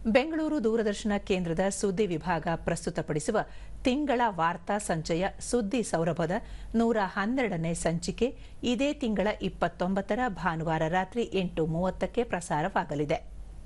ಬೆಂಗಳೂರು ದೂರದರ್ಶನ ಕೇಂದ್ರದ ಸುದ್ದಿ ವಿಭಾಗ ಪ್ರಸ್ತುತಪಡಿಸುವ ತಿಂಗಳ ವಾರ್ತಾ ಸಂಚಯ ಸುದ್ದಿ ಸೌರಭದ 112ನೇ ಸಂಚಿಕೆ ಇದೇ ತಿಂಗಳ 29ರ ಭಾನುವಾರ ರಾತ್ರಿ 8:30ಕ್ಕೆ ಪ್ರಸಾರವಾಗಲಿದೆ.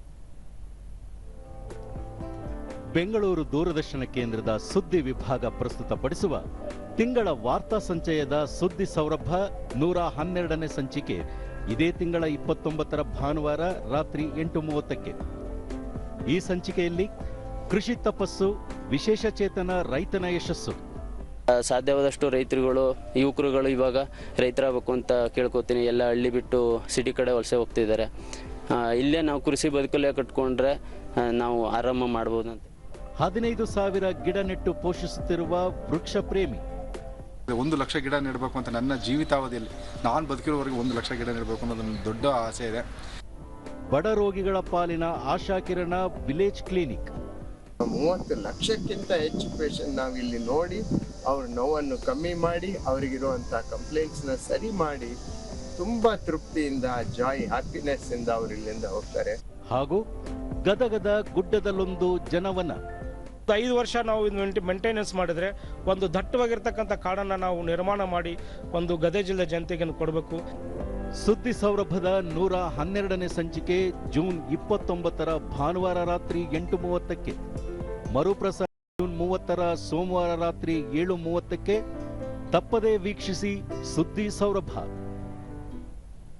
ಬೆಂಗಳೂರು ದೂರದರ್ಶನ ಕೇಂದ್ರದ ಸುದ್ದಿ ವಿಭಾಗ ಪ್ರಸ್ತುತಪಡಿಸುವ ತಿಂಗಳ ವಾರ್ತಾ ಸಂಚಯದ ಸುದ್ದಿ ಸೌರಭ 112ನೇ ಸಂಚಿಕೆ ಇದೇ ತಿಂಗಳ 29ರ ಭಾನುವಾರ ರಾತ್ರಿ 8:30ಕ್ಕೆ. ಈ ಸಂಚಿಕೆಯಲ್ಲಿ ಕೃಷಿ ತಪಸ್ಸು, ವಿಶೇಷ ಚೇತನ ರೈತನ ಯಶಸ್ಸು. ಸಾಧ್ಯವಾದಷ್ಟು ರೈತರುಗಳು, ಯುವಕರುಗಳು ಇವಾಗ ರೈತರಾಗಬೇಕು ಅಂತ ಕೇಳ್ಕೊತೀನಿ. ಎಲ್ಲ ಹಳ್ಳಿ ಬಿಟ್ಟು ಸಿಟಿ ಕಡೆ ವಲಸೆ ಹೋಗ್ತಿದ್ದಾರೆ. ಇಲ್ಲೇ ನಾವು ಕೃಷಿ ಬದುಕಲ್ಲೇ ಕಟ್ಕೊಂಡ್ರೆ ನಾವು ಆರಾಮ ಮಾಡ್ಬೋದು ಅಂತ. 15,000 ಗಿಡ ನೆಟ್ಟು ಪೋಷಿಸುತ್ತಿರುವ ವೃಕ್ಷ ಪ್ರೇಮಿ. 1 ಲಕ್ಷ ಗಿಡ ನೆಡಬೇಕು ಅಂತ ನನ್ನ ಜೀವಿತಾವಧಿಯಲ್ಲಿ ನಾನು ಬದುಕಿರೋವರೆಗೆ 1 ಲಕ್ಷ ಗಿಡ ನೆಡಬೇಕು ಅನ್ನೋದು ನನ್ನ ದೊಡ್ಡ ಆಸೆ ಇದೆ. ಬಡ ರೋಗಿಗಳ ಪಾಲಿನ ಆಶಾಕಿರಣ ವಿಲೇಜ್ ಕ್ಲಿನಿಕ್. 30 ಲಕ್ಷಕ್ಕಿಂತ ಹೆಚ್ಚು ಪೇಷಂಟ್ ನಾವು ಇಲ್ಲಿ ನೋಡಿ ಅವ್ರ ನೋವನ್ನು ಕಮ್ಮಿ ಮಾಡಿ ಅವರಿಗಿರುವಂಥ ಕಂಪ್ಲೇಂಟ್ಸ್ನ ಸರಿ ಮಾಡಿ ತುಂಬಾ ತೃಪ್ತಿಯಿಂದ, ಜಾಯ್, ಹ್ಯಾಪಿನೆಸ್ ಇಂದ ಅವರು ಇಲ್ಲಿಂದ ಹೋಗ್ತಾರೆ. ಹಾಗೂ ಗದಗದ ಗುಡ್ಡದಲ್ಲೊಂದು ಜನವನ. 5 ವರ್ಷ ನಾವು ಮೇಂಟೆನೆನ್ಸ್ ಮಾಡಿದ್ರೆ ಒಂದು ದಟ್ಟವಾಗಿರ್ತಕ್ಕಂಥ ಕಾಡನ್ನು ನಾವು ನಿರ್ಮಾಣ ಮಾಡಿ ಒಂದು ಗದಗ ಜಿಲ್ಲೆ ಜನತೆಗೆ ಕೊಡಬೇಕು. ಸುದ್ದಿ ಸೌರಭದ 112ನೇ ಸಂಚಿಕೆ ಜೂನ್ 29ರ ಭಾನುವಾರ ರಾತ್ರಿ 8:30ಕ್ಕೆ. ಮರುಪ್ರಸಾರ ಜೂನ್ 30ರ ಸೋಮವಾರ ರಾತ್ರಿ 7:30ಕ್ಕೆ. ತಪ್ಪದೇ ವೀಕ್ಷಿಸಿ ಸುದ್ದಿ ಸೌರಭ.